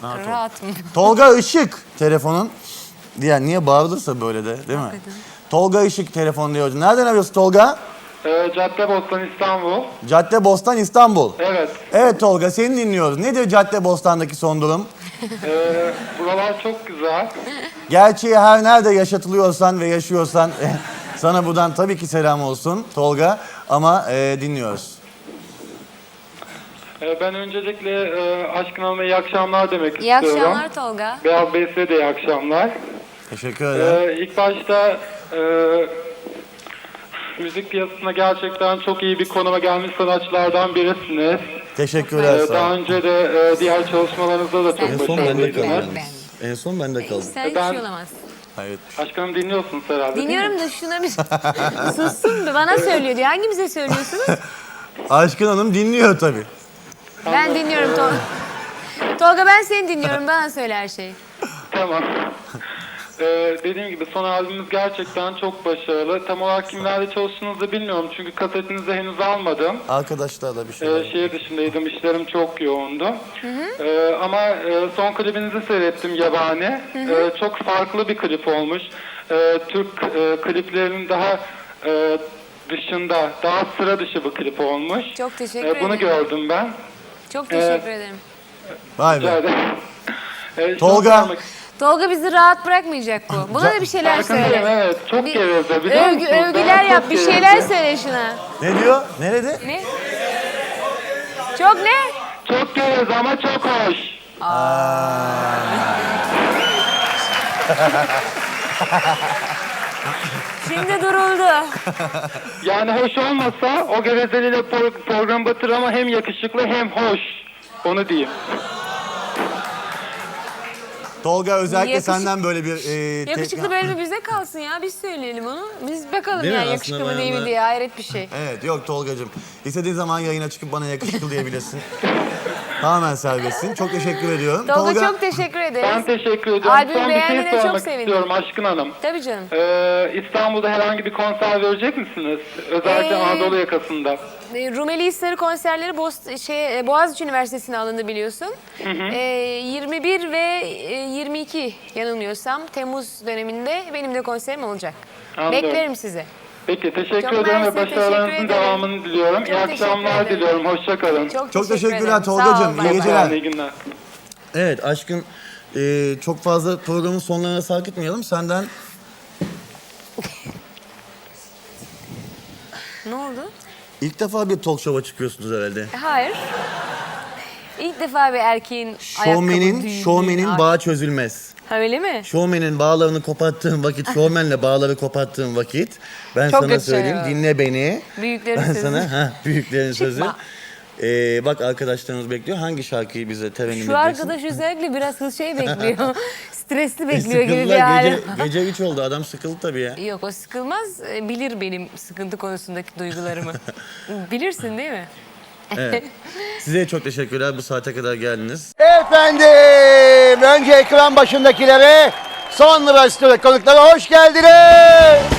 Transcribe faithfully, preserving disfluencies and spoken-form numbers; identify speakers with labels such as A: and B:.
A: Rahat,
B: Rahat mı?
A: Tolga Işık telefonun. Diğer niye bağırılırsa böyle de değil mi?
B: Hakikaten.
A: Tolga Işık telefon diyor. Nereden arıyorsun Tolga?
C: Ee, Caddebostan İstanbul.
A: Caddebostan İstanbul.
C: Evet.
A: Evet Tolga seni dinliyoruz. Nedir Caddebostan'daki son durum?
C: Ee, buralar çok güzel.
A: Gerçeği her nerede yaşatılıyorsan ve yaşıyorsan sana buradan tabii ki selam olsun Tolga. Ama e, dinliyoruz.
C: Ee, ben öncelikle e, Aşkın Hanım'a iyi akşamlar demek
B: İyi
C: istiyorum.
B: akşamlar Tolga.
C: Beyaz Bey size de iyi akşamlar.
A: Teşekkür ederim.
C: Ee, ilk başta e, müzik piyasasına gerçekten çok iyi bir konuma gelmiş sanatçılardan birisiniz.
A: Teşekkürler
C: Ee,
A: sağ
C: daha
A: ol.
C: önce de e, diğer çalışmalarınızda da çok
B: En son
A: bende
C: başarılıydınız.
A: kaldı.
B: Ben-
A: En son bende kaldı.
B: Sen hiç
C: Ben-
B: şey olamazsın.
A: Evet.
C: Aşkın Hanım dinliyorsunuz herhalde değil mi?
B: Dinliyorum da şuna bir sussun bir bana söylüyor diyor. Hangimize söylüyorsunuz?
A: Aşkın Hanım dinliyor tabii.
B: Ben dinliyorum Tolga. Tolga ben seni dinliyorum. Bana söyle her şeyi.
C: Tamam. Ee, dediğim gibi son albümümüz gerçekten çok başarılı. Tam olarak kimlerle çalıştığınızı da bilmiyorum çünkü kasetinizi henüz almadım.
A: Arkadaşlarla bir şey.
C: Ee, şehir dışındaydım, işlerim çok yoğundu. Ee, ama e, son klibinizi seyrettim Yabani. Ee, çok farklı bir klip olmuş. Ee, Türk e, kliplerinin daha e, dışında, daha sıra dışı bir klip olmuş.
B: Çok teşekkür
C: Ee, bunu
B: ederim.
C: gördüm ben.
B: Çok teşekkür ederim.
A: Vay
C: Rica
A: be.
C: ederim. Ee, şunu
A: Tolga.
C: sormak-
B: Tolga bizi rahat bırakmayacak bu. Buna da bir şeyler
C: Farkındayım,
B: söyle.
C: evet. Çok
B: Bir-
C: geveze biliyor
B: Övgü,
C: musunuz?
B: övgüler
C: Ben
B: yap.
C: çok
B: Bir
C: geveze.
B: şeyler söyle şuna.
A: Ne diyor? Nerede?
B: Ne? Çok ne?
C: Çok geveze ama çok hoş.
B: Şimdi duruldu.
C: Yani hoş olmasa o gevezeliyle pro- program batır ama hem yakışıklı hem hoş. Onu diyeyim.
A: Tolga özellikle
B: Yakışık-
A: senden böyle bir... E,
B: Yakışıklı
A: te-
B: bölümü bize kalsın ya. Biz söyleyelim onu. Biz bakalım
A: Değil mi?
B: yani
A: Aslında
B: yakışıklı mı değil mi
A: bayağı da-
B: diye. Hayret bir şey.
A: Evet yok Tolgacığım. İstediğin zaman yayına çıkıp bana yakışıklı diyebilirsin. Tamamen serbestsin. Çok teşekkür ediyorum.
B: Tolga, çok teşekkür ederiz.
C: Ben teşekkür ediyorum.
B: Albüm
C: Son bir
B: beğendiğine
C: şey
B: çok
C: sormak
B: sevindim.
C: istiyorum Aşkın Hanım.
B: Tabii canım.
C: Ee, İstanbul'da herhangi bir konser verecek misiniz? Özellikle
B: Ee,
C: Anadolu yakasında.
B: E, Rumeli Hisarı konserleri Boz, şey, e, Boğaziçi Üniversitesi'ne alındı biliyorsun. E, yirmi bir ve e, yirmi iki yanılmıyorsam Temmuz döneminde benim de konserim olacak.
C: Anlıyorum.
B: Beklerim sizi.
C: Peki teşekkür
B: Çok
C: ederim
B: mersi,
C: ve başarılarınızın
B: teşekkür ederim.
C: devamını diliyorum.
B: Çok
C: İyi
B: teşekkür
C: akşamlar
B: ederim.
C: diliyorum. Hoşça kalın.
B: Çok,
A: Çok
B: teşekkür
A: teşekkürler
B: ederim.
A: Tolgacığım.
B: Sağ ol,
A: İyi
B: bay bay.
A: geceler.
C: İyi günler.
A: Evet Aşkın e, çok fazla programın sonlarına sarkıtmayalım. Senden
B: Ne oldu?
A: ilk defa bir talk show'a çıkıyorsunuz herhalde.
B: Hayır. İlk defa bir erkeğin ayakkabı
A: Şovmenin,
B: düğümü-
A: şovmenin
B: Ay.
A: bağı çözülmez.
B: Ha öyle mi?
A: Şovmenin bağlarını koparttığın vakit, şovmenle bağları koparttığın vakit ben
B: Çok
A: sana
B: kötü
A: söyleyeyim,
B: söylüyor.
A: dinle beni.
B: Büyüklerin
A: Ben
B: sözü.
A: sana, ha büyüklerin sözü.
B: Çıkma.
A: Ee, bak arkadaşlarımız bekliyor. Hangi şarkıyı bize terennüm
B: Şu
A: edeceksin?
B: arkadaş özellikle biraz hız şey bekliyor. Stresli bekliyor gibi bir
A: Sıkıldılar,
B: hali.
A: gece, gece üç oldu. Adam sıkıldı tabii ya.
B: Yok o sıkılmaz. E, Bilir benim sıkıntı konusundaki duygularımı. Bilirsin değil mi?
A: Evet. Size çok teşekkürler. Bu saate kadar geldiniz.
D: Efendim, önce ekran başındakilere, sonra stüdyo konuklara hoş geldiniz.